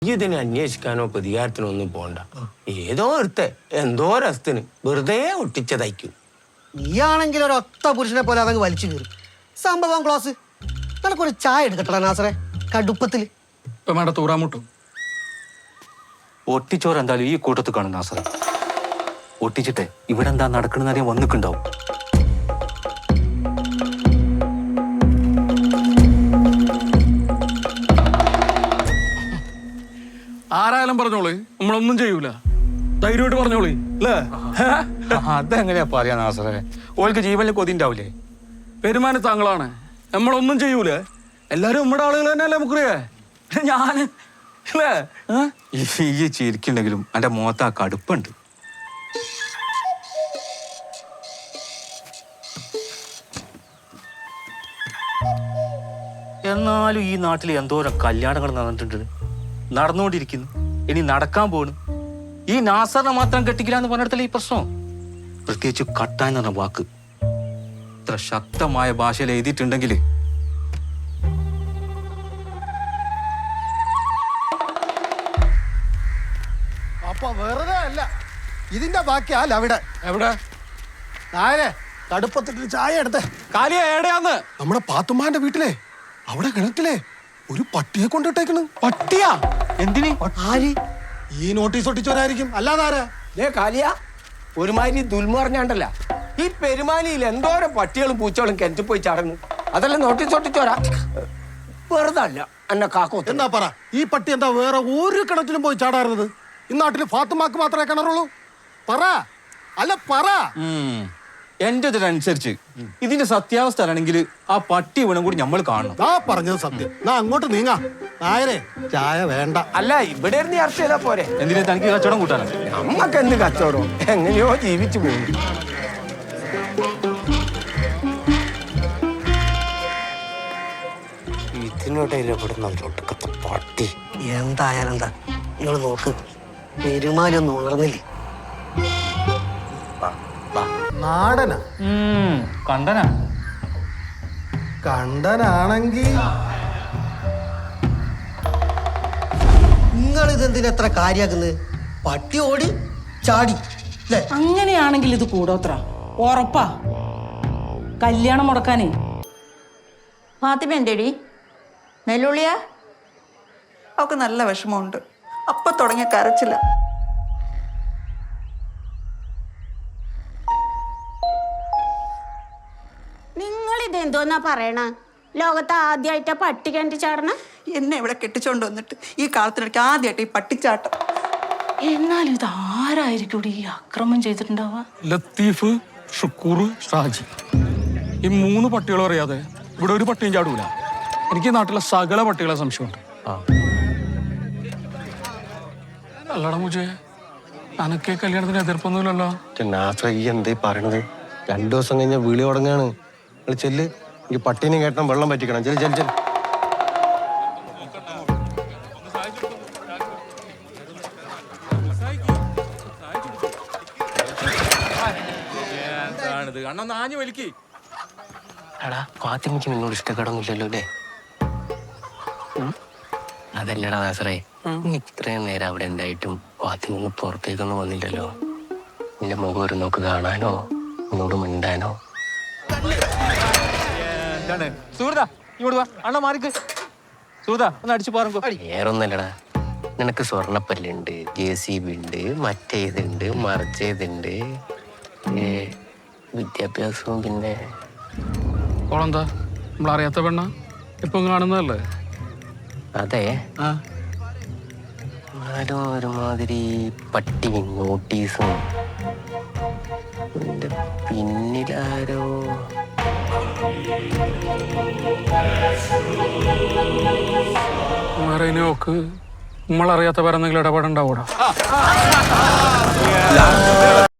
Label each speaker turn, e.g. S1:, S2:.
S1: ഇതിനെ അന്വേഷിക്കാനോ പ്രതികാരത്തിനോ ഒന്നും പോണ്ട. ഏതോ ഒരുത്തെ എന്തോ രസത്തിന് വെറുതെ ഒട്ടിച്ചതയ്ക്കും.
S2: നീയാണെങ്കിൽ ഒരു ഒത്ത പുരുഷനെ പോലെ അതങ്ങ് വലിച്ചു കയറി. സംഭവം ക്ലോസ്. നിനക്കൊരു ചായ എടുക്കട്ടടാ നാസറെ, കടുപ്പത്തില്.
S3: ഇപ്പൊ വേണ്ട തൂറാമുട്ടും
S4: ഒട്ടിച്ചോറ് എന്തായാലും ഈ കൂട്ടത്തിൽ കാണും നാസറെ. ഒട്ടിച്ചിട്ടെ ഇവിടെ എന്താ നടക്കണെന്ന് അറിയാൻ വന്നിട്ടുണ്ടാവും.
S3: ആരായാലും പറഞ്ഞോളി, നമ്മളൊന്നും ചെയ്യൂല. ധൈര്യമായിട്ട് പറഞ്ഞോളി അല്ലേ?
S4: അതെങ്ങനെയാ പറയാ നാസറെ? ഓൾക്ക് ജീവനിൽ കൊതിണ്ടാവില്ലേ?
S3: പെരുമാനം താങ്കളാണ്, നമ്മളൊന്നും ചെയ്യൂലേ? എല്ലാരും നമ്മുടെ ആളുകൾ തന്നെയല്ലേ മുക്രിയേ? ഞാന് അല്ലേ?
S4: ഈ ചിരിക്കുണ്ടെങ്കിലും എന്റെ മുഖത്ത് ആ കടുപ്പുണ്ട്. എന്നാലും ഈ നാട്ടിൽ എന്തോരം കല്യാണങ്ങൾ നടന്നിട്ടുണ്ട്, നടന്നുകൊണ്ടിരിക്കുന്നു, ഇനി നടക്കാൻ പോണു. ഈ നാസറിനെ മാത്രം കെട്ടിക്കില്ല എന്ന് പറഞ്ഞിടത്തല്ലേ ഈ പ്രശ്നം. പ്രത്യേകിച്ച് കട്ടാൻ പറഞ്ഞ വാക്ക് ഇത്ര ശക്തമായ ഭാഷയിൽ എഴുതിയിട്ടുണ്ടെങ്കിൽ
S2: അപ്പൊ വെറുതെ അല്ല, ഇതിന്റെ ബാക്കിയല്ല അവിടെ.
S3: എവിടെ
S2: നായരെ കടുപ്പത്തിട്ട് ചായ എടുത്തേ.
S3: കാലിയ എവിടെയാന്ന്?
S5: നമ്മുടെ പാത്തുമ്മാന്റെ വീട്ടിലെ അവിടെ കിണറ്റിലെ ഒരു പട്ടിയെ കൊണ്ടിട്ടേക്കണ്.
S3: പട്ടിയാ? എന്തിന്?
S2: ആര്?
S5: ഈ നോട്ടീസ് ഒട്ടിച്ചവരായിരിക്കും, അല്ലാതാരാ?
S1: കാലിയ ഒരുമാതിരി ദുൽമറിഞ്ഞാണ്ടല്ല. ഈ പെരുമാലിയിൽ എന്തോരം പട്ടികളും പൂച്ചകളും കിണറ്റിൽ പോയി ചടങ്ങ്. അതെല്ലാം നോട്ടീസ് ഒട്ടിച്ചോരാ. വെറുതെ അല്ല എന്നെ കാക്കോ.
S5: എന്നാ പറ, ഈ പട്ടി എന്താ വേറെ ഒരു കിണറ്റിലും പോയി ചാടാറുന്നത്? ഈ നാട്ടില് ഫാത്തുമാക്ക് മാത്രമേ കിണറുള്ളൂ? പറ, അല്ല പറ.
S4: എന്റെ ഇതിനനുസരിച്ച് ഇതിന്റെ സത്യാവസ്ഥ ആണെങ്കിൽ ആ പട്ടി വീണും കൂടി നമ്മൾ കാണണം.
S5: ആ പറഞ്ഞത് സത്യം. നാ അങ്ങോട്ട് നീങ്ങാ. നായരെ ചായ വേണ്ട.
S1: അല്ല, ഇവിടെ ഇരുന്ന് ചർച്ച ചെയ്താ പോരെ?
S4: എന്തിനാ തനിക്ക് കച്ചവടം കൂട്ടാനോ?
S1: നമ്മക്ക് എന്ത് കച്ചവടം? എങ്ങനെയോ ജീവിച്ചു പോകും. ഇതിനിടയിലെ ഒടുക്കത്തെ പട്ടി.
S2: എന്തായാലും എന്താ, നിങ്ങൾ നോക്ക്, പെരുമാലൊന്നും ഉണർന്നില്ലേ?
S5: നാടനാ?
S4: കണ്ടനാ?
S5: കണ്ടനാണെങ്കി
S2: നിങ്ങൾ ഇതെന്തിനാ എത്ര കാര്യാക്കുന്നത്? പട്ടി ഓടി ചാടി അല്ലേ?
S6: അങ്ങനെയാണെങ്കിൽ ഇത് കൂടോത്ര ഉറപ്പാ. കല്യാണം മുടക്കാനേ.
S7: ഫാത്തിമ എന്തേടി? നെല്ലുള്ളിയാ? അവൾക്ക് നല്ല വിഷമമുണ്ട്. അപ്പൊ തുടങ്ങിയ കരച്ചില്ല.
S8: നിങ്ങളിതെന്തോന്നാ പറയണ? ലോകത്ത് ആദ്യമായിട്ടാ പട്ടി കിണറ്റി ചാടണ?
S7: എന്നെ ഇവിടെ കെട്ടിച്ചോണ്ട് വന്നിട്ട് ഈ കാലത്തിനിടയ്ക്ക് ആദ്യമായിട്ട് ഈ പട്ടിച്ചാട്ടം.
S6: എന്നാലും ഇത് ആരായിരിക്കും ഈ അക്രമം ചെയ്തിട്ടുണ്ടാവുക?
S3: ലത്തീഫ്, ഷുക്കൂർ, ഷാജി, ഈ 3 പട്ടികളും അറിയാതെ ഇവിടെ ഒരു പട്ടിയും ചാടൂല. എനിക്ക് ഈ നാട്ടിലെ സകല പട്ടികളെ സംശയമുണ്ട്. അല്ലടാ മുജേ, അനക്കേ കല്യാണത്തിന് എതിർപ്പൊന്നുമില്ലല്ലോ?
S5: ഈ എന്തേ പറയണത്? 2 ദിവസം കഴിഞ്ഞ വിളി തുടങ്ങാണ്. ചെല്ല്, ഈ പട്ടീനെ കേട്ടണം, വെള്ളം പറ്റിക്കണം. ചെല് ചെല് ചെല്.
S1: എടാ, ഫാത്തിമയ്ക്ക് നിന്നോട് ഇഷ്ടക്കേടൊന്നുമില്ലല്ലോ അല്ലേ? അതല്ലടാ നാസറേ, ഇത്രയും നേരം അവിടെ ഉണ്ടായിട്ടും ഫാത്തിമ പുറത്തേക്കൊന്നും വന്നില്ലല്ലോ. നിന്റെ മുഖം ഒരു നോക്ക് കാണാനോ നിന്നോട് മിണ്ടാനോ? വേറൊന്നല്ലടാ, നിനക്ക് സ്വർണ്ണപ്പല്ലുണ്ട്, JCB ഉണ്ട്, മറ്റേതുണ്ട്, മറിച്ചേതുണ്ട്, വിദ്യാഭ്യാസവും. പിന്നെ
S3: ഓളെന്താ നമ്മളറിയാത്ത പെണ്ണ ഇപ്പം കാണുന്നതല്ലേ?
S1: അതെ, ആരോ ഒരുമാതിരി പട്ടി നോട്ടീസും പിന്നിലാരോ.
S3: നോക്ക്, നമ്മളറിയാത്ത വേറെ എന്തെങ്കിലും ഇടപാടുണ്ടാവൂടാ?